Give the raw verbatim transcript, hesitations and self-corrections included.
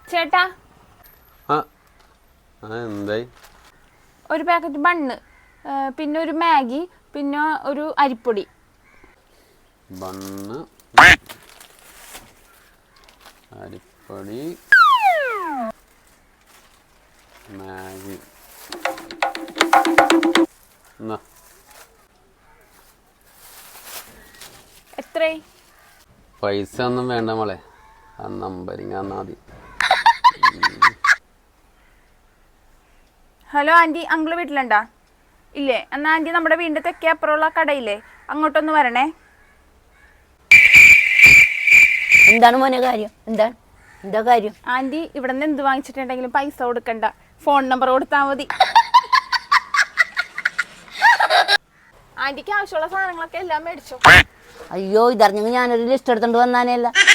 ചേട്ടാ എന്തായി? ഒരു പാക്കറ്റ് ബണ്ണ്, പിന്നെ ഒരു മാഗി, പിന്നെ ഒരു അരിപ്പൊടി. ബണ്ണ്, അരിപ്പൊടി, മാഗി. എത്രേ? പൈസ ഒന്നും വേണ്ട മോളെ, ആ നമ്പരിങ് തന്നാ മതി. ഹലോ ആൻറ്റി, അങ്കിള് വീട്ടിലുണ്ടാ? ഇല്ലേ? എന്നാൽ ആൻറ്റി നമ്മുടെ വീടിൻ്റെ തെക്കേ അപ്പുറമുള്ള കടയില്ലേ, അങ്ങോട്ടൊന്ന് വരണേ. എന്താണ് മോനെ കാര്യം? എന്താണ് എന്താ കാര്യം? ആൻറ്റി ഇവിടെ നിന്ന് എന്ത് വാങ്ങിച്ചിട്ടുണ്ടെങ്കിലും പൈസ കൊടുക്കണ്ട, ഫോൺ നമ്പർ കൊടുത്താൽ മതി. ആൻറ്റിക്ക് ആവശ്യമുള്ള സാധനങ്ങളൊക്കെ എല്ലാം മേടിച്ചോ? അയ്യോ, ഇതറിഞ്ഞെങ്കിൽ ഞാനൊരു ലിസ്റ്റ് എടുത്തോണ്ട് വന്നാനേല്ല.